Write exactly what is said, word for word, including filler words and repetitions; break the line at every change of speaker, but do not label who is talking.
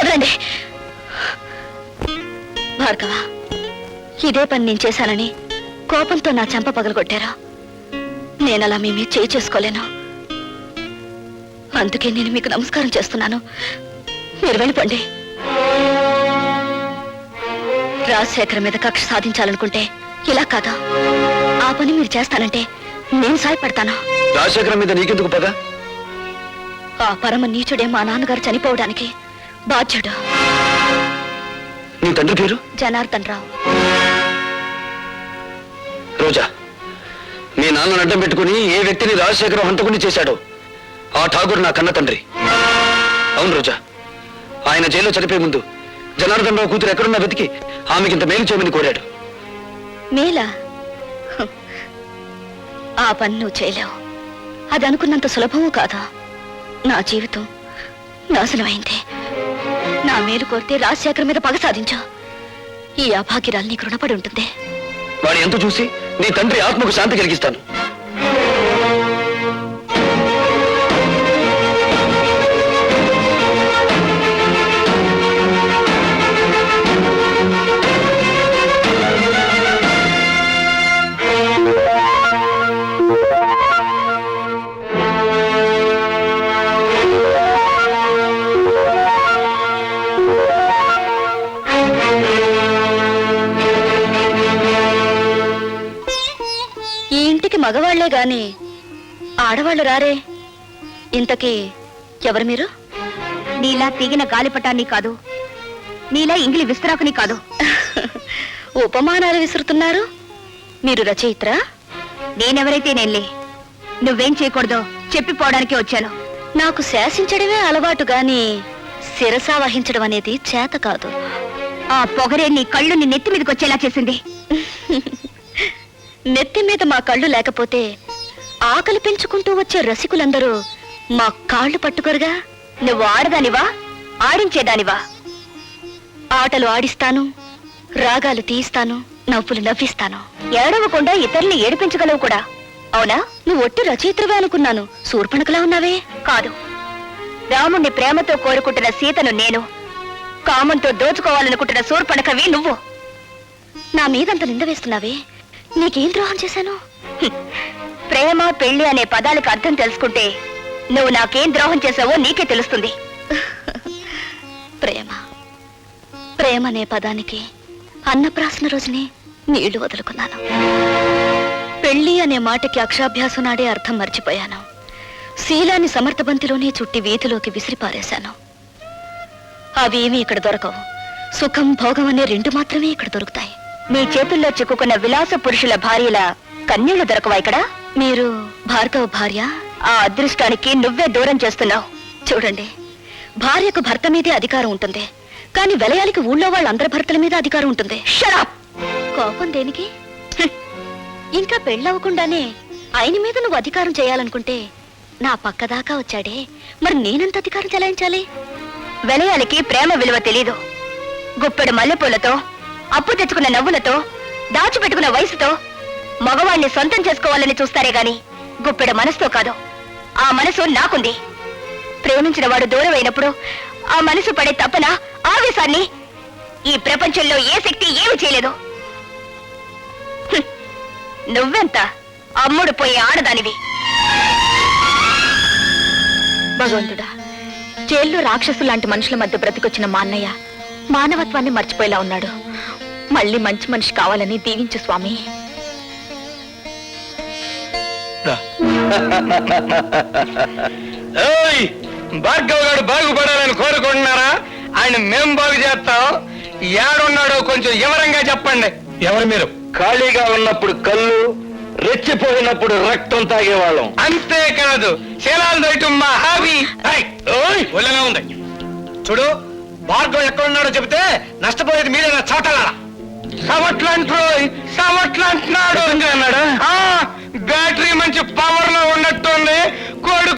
వదలండి భార్గవ. ఇదే పని నేను చేశానని కోపంతో నా చెంప పగలగొట్టారా? నేనలా మీ మీద చేయి చేసుకోలేను. అందుకే నేను మీకు నమస్కారం చేస్తున్నాను. మీరు వెళ్ళిపోండి. రాజశేఖర్ మీద కక్ష సాధించాలనుకుంటే ఇలా కాదా? ఆ పని మీరు చేస్తానంటే నేను సాయపడతాను.
రాజశేఖర్ మీద నీకెందుకు పగ?
ఆ పరమ నీచుడే మా నాన్నగారు చనిపోవడానికి బాధ్యుడు.
నీ తండ్రి పేరు?
జనార్దన్ రావు.
రోజా, మీ నాన్న అడ్డం పెట్టుకుని ఏ వ్యక్తిని రాజశేఖరం హంతకుని చేశాడో ఆ ఠాగూర్ నా కన్న తండ్రి. అవును రోజా, ఆయన జైల్లో చనిపోయే ముందు జనార్దన్ రావు కూతురు ఎక్కడున్నా వెతికి ఆమెకింత మేలు చేయమని కోరాడు.
మేలా? ఆ పని నువ్వు చేయలేవు. అది అనుకున్నంత సులభము కాదా? నా జీవితం నాశనమైంది. నా మేలు కోరితే రాజశేఖర్ మీద పగ సాధించా. ఈ అభాగ్యరాలు నీకు రుణపడి ఉంటుంది.
వాడి ఎంత చూసి నీ తండ్రి ఆత్మకు శాంతి కలిగిస్తాను.
మగవాళ్లే గాని ఆడవాళ్లు రారే. ఇంతకీ ఎవరు మీరు? నీలా తీగిన గాలిపటాన్ని కాదు, నీలా ఇంగిలి విస్తరాకుని కాదు. ఉపమానాలు విసురుతున్నారు. మీరు రచయిత్రా? నేనెవరైతే నేనులే. నువ్వేం చేయకూడదో చెప్పిపోవడానికి వచ్చాను. నాకు శాసించడమే అలవాటు గాని శిరసా వహించడం అనేది చేత కాదు. ఆ పొగరే నీ కళ్ళు నీ నెత్తి మీదకి వచ్చేలా చేసింది. నెత్తి మీద మా కళ్ళు లేకపోతే ఆకలి పెంచుకుంటూ వచ్చే రసికులందరూ మా కాళ్ళు పట్టుకోరుగా. నువ్వు ఆడదానివా, ఆడించేదానివా? ఆటలు ఆడిస్తాను, రాగాలు తీయిస్తాను, నవ్వులు నవ్విస్తాను. ఏడవకుండా ఇతరుల్ని ఏడిపించగలవు కూడా. అవునా? నువ్వు ఒట్టి రచయిత్రవే అనుకున్నాను. శూర్పణఖలా ఉన్నావే. కాదు, రాముణ్ణి ప్రేమతో కోరుకుంటున్న సీతను నేను, కామంతో దోచుకోవాలనుకుంటున్న శూర్పణఖవి నువ్వు. నా మీదంత నింద వేస్తున్నావే. నీకేం ద్రోహం చేశాను? ప్రేమ పెళ్లి అనే పదాలకు అర్థం తెలుసుకుంటే నువ్వు నాకేం ద్రోహం చేసావో నీకే తెలుస్తుంది. ప్రేమ ప్రేమ అనే పదానికి అన్నప్రాసన రోజునే నీళ్లు వదులుకున్నాను. పెళ్లి అనే మాటకి అక్షాభ్యాసం నాడే అర్థం మర్చిపోయాను. శీలాన్ని సమర్థబంతిలోనే చుట్టి వీధిలోకి విసిరిపారేశాను. అవేమీ ఇక్కడ దొరకవు. సుఖం భోగం అనే రెండు మాత్రమే ఇక్కడ దొరుకుతాయి. మీ చేతుల్లో చిక్కుకున్న విలాస పురుషుల భార్యల కన్యలు దొరకవా ఇక్కడ? మీరు భార్గవ భార్య? ఆ అదృష్టానికి నువ్వే దూరం చేస్తున్నావు. చూడండి, భార్యకు భర్త మీదే అధికారం ఉంటుంది, కానీ వెలయాలికి ఊళ్ళో వాళ్ళందరి భర్తల మీద అధికారం ఉంటుంది. షరాప్! కోపం దేనికి? ఇంకా పెళ్ళవకుండానే ఆయన మీద నువ్వు అధికారం చేయాలనుకుంటే నా పక్కదాకా వచ్చాడే, మరి నేనెంత అధికారం చెలాయించాలి? వెలయాలికి ప్రేమ విలువ తెలీదు. గుప్పెడు మల్లెపూలతో, అప్పు తెచ్చుకున్న నవ్వులతో, దాచిపెట్టుకున్న వయసుతో మగవాణ్ణి సొంతం చేసుకోవాలని చూస్తారే గాని గుప్పెడు మనసుతో కాదు. ఆ మనసు నాకుంది. ప్రేమించిన వాడు దూరం అయినప్పుడు ఆ మనసు పడే తపన, ఆవేశాన్ని ఈ ప్రపంచంలో ఏ శక్తి ఏమి చేయలేదు. నువ్వెంత అమ్ముడు పోయే ఆడదానివి. భగవంతుడా, జైల్లో రాక్షసు లాంటి మనుషుల మధ్య బ్రతికొచ్చిన మా అన్నయ్య మానవత్వాన్ని మర్చిపోయేలా ఉన్నాడు. మళ్ళీ మంచి మనిషి కావాలని దీవించు స్వామి.
భార్గవ్ గారు బాగుపడాలని కోరుకుంటున్నారా? ఆయన మేం బాగు చేస్తాం. ఏడున్నాడో కొంచెం వివరంగా చెప్పండి.
ఎవరు మీరు? ఖాళీగా ఉన్నప్పుడు కళ్ళు, రెచ్చిపోయినప్పుడు రక్తం తాగేవాళ్ళం.
అంతేకాదు, శీలాలు దయటం మా హాబీ. ఒళ్ళగా ఉంది. చూడు, భార్గవ్ ఎక్కడున్నాడో చెబితే నష్టపోయేది మీరేనా చోటలా? సవట్లంటున్నాడు. సవట్లంటున్నాడు.
అన్నాడా?
బ్యాటరీ మంచి పవర్ లో ఉన్నట్టుంది. కోడి